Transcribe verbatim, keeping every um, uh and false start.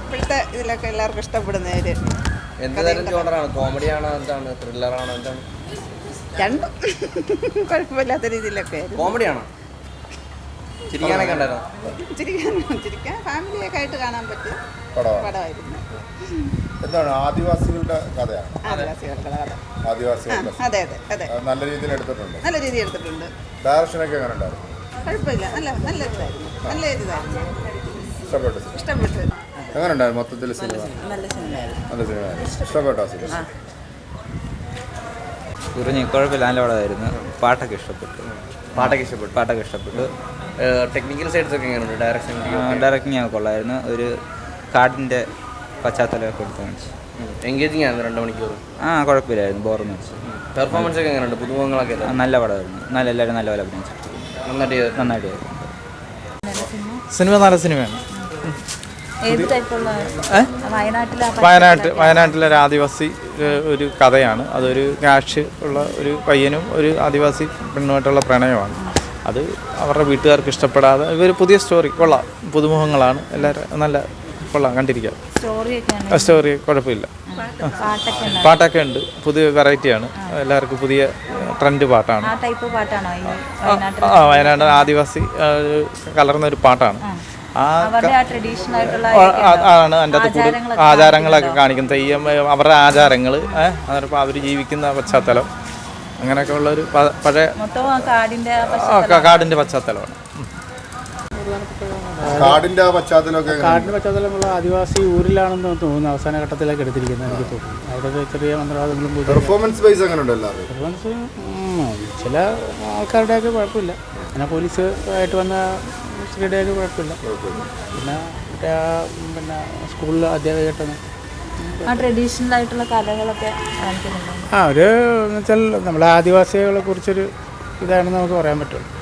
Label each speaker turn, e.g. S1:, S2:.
S1: ഇപ്പോഴത്തെ ഇതിലൊക്കെ എല്ലാവർക്കും ഇഷ്ടപ്പെടുന്ന ഒരു
S2: എന്ത് തരം ജോണറാണ്? കോമഡിയാണോ എന്താണ്? ത്രില്ലറാണോ എന്താണ്?
S1: രണ്ടും കുഴപ്പമില്ലാത്ത രീതിയിലൊക്കെ.
S2: കോമഡിയാണോ? ചിരിക്കാനൊക്കെ ഉണ്ടായിരുന്നോ?
S1: ചിരിക്കാൻ ചിരിക്കാൻ ഫാമിലിയൊക്കെ ആയിട്ട് കാണാൻ പറ്റിയ പടമായിരുന്നു.
S3: എന്താണ് ആദിവാസികളുടെ കഥയാണ്?
S1: ആദിവാസികളുടെ കഥ.
S3: ആദിവാസികളുടെ
S1: അതെ അതെ അതെ
S3: നല്ല രീതിയിൽ എടുത്തിട്ടുണ്ട്.
S1: നല്ല രീതിയിൽ എടുത്തിട്ടുണ്ട്.
S3: ഡയറക്ഷനൊക്കെ എങ്ങനെ ഉണ്ടായിരുന്നു?
S1: കുഴപ്പമില്ല, നല്ല നല്ല ഇതായിരുന്നു. നല്ല ഇതായിരുന്നു.
S3: ഇഷ്ടപ്പെട്ടു
S1: ഇഷ്ടപ്പെട്ടു.
S3: എങ്ങനെ ഉണ്ടായിരുന്നു മൊത്തത്തിൽ സിനിമ?
S1: നല്ല സിനിമയായിരുന്നു.
S3: നല്ല സിനിമയായിരുന്നു. ഇഷ്ടപ്പെട്ടോ സിനിമ?
S4: കുറിഞ്ഞ് കുഴപ്പമില്ല, നല്ല പടമായിരുന്നു. പാട്ടൊക്കെ ഇഷ്ടപ്പെട്ടു.
S2: പാട്ടൊക്കെ ഇഷ്ടപ്പെട്ടു.
S4: പാട്ടൊക്കെ ഇഷ്ടപ്പെട്ടു.
S2: ടെക്നിക്കൽ സൈഡ്സ് ഒക്കെ എങ്ങനെയുണ്ട്? ഡയറക്ഷൻ
S4: ഡയറക്റ്റിംഗ് ഒക്കെ കൊള്ളായിരുന്നു. ഒരു കാടിൻ്റെ പശ്ചാത്തലമൊക്കെ എടുത്ത് കാണിച്ചു.
S2: എൻഗേജിങ് ആയിരുന്നു രണ്ട് മണിക്കൂർ.
S4: ആ കുഴപ്പമില്ലായിരുന്നു, ബോറെന്ന് വെച്ചു.
S2: പെർഫോമൻസ് ഒക്കെ എങ്ങനെയുണ്ട്? പുതുമുഖങ്ങളൊക്കെ
S4: നല്ല പടമായിരുന്നു. നല്ല എല്ലാവരും നല്ല പോലെ അഭിനയിച്ചു.
S2: നന്നായിട്ട്
S4: നന്നായിട്ട്
S5: സിനിമ നല്ല സിനിമയാണ്.
S6: ഏത് ടൈപ്പുള്ള?
S5: വയനാട്ട് വയനാട്ടിലെ ഒരു ആദിവാസി ഒരു കഥയാണ്. അതൊരു ക്യാഷ് ഉള്ള ഒരു പയ്യനും ഒരു ആദിവാസി പെണ്ണുമായിട്ടുള്ള പ്രണയമാണ്. അത് അവരുടെ വീട്ടുകാർക്ക് ഇഷ്ടപ്പെടാതെ ഇവർ പുതിയ സ്റ്റോറി കൊള്ളാം. പുതുമുഖങ്ങളാണ് എല്ലാവരും, നല്ല കൊള്ളാം, കണ്ടിരിക്കാം. സ്റ്റോറി കുഴപ്പമില്ല. പാട്ടൊക്കെ ഉണ്ട്, പുതിയ വെറൈറ്റിയാണ്, എല്ലാവർക്കും പുതിയ ട്രെൻഡ് പാട്ടാണ്. ആ വയനാട് ആദിവാസി കലർന്ന ഒരു പാട്ടാണ്. ആ ആണ് അതിൻ്റെ അകത്ത് കൂടി ആചാരങ്ങളൊക്കെ കാണിക്കും. തെയ്യം അവരുടെ ആചാരങ്ങൾ, അതിപ്പോൾ അവർ ജീവിക്കുന്ന പശ്ചാത്തലം, അങ്ങനെയൊക്കെ ഉള്ളൊരു പഴയ കാടിൻ്റെ പശ്ചാത്തലമാണ്.
S3: കാടിന്റെ പശ്ചാത്തലമൊക്കെ
S7: കാടിന്റെ പശ്ചാത്തലമുള്ള ആദിവാസി ഊരിലാണെന്ന് തോന്നുന്നു അവസാന ഘട്ടത്തിലേക്ക് എടുത്തിരിക്കുന്നത്. എനിക്ക് തോന്നുന്നു അവിടെ ചെറിയ മന്ത്രവാദങ്ങളും
S3: പെർഫോമൻസ് ബൈസ് അങ്ങനെ ഉണ്ടല്ലോ.
S7: പെർഫോമൻസ് ചില ആൾക്കാരുടെയൊക്കെ കുഴപ്പമില്ല. പിന്നെ പോലീസ് ആയിട്ട് വന്ന സ്ത്രീയുടെയൊക്കെ കുഴപ്പമില്ല. പിന്നെ മറ്റേ പിന്നെ സ്കൂളിൽ അധ്യാപകമായിട്ടാണ്
S6: ട്രഡീഷണൽ ആയിട്ടുള്ള കലകളൊക്കെ കാണിക്കുന്നുണ്ട്.
S7: ആ ഒരു എന്ന് വെച്ചാൽ നമ്മളെ ആദിവാസികളെ കുറിച്ചൊരു ഇതാണെന്ന് നമുക്ക് പറയാൻ പറ്റുള്ളൂ.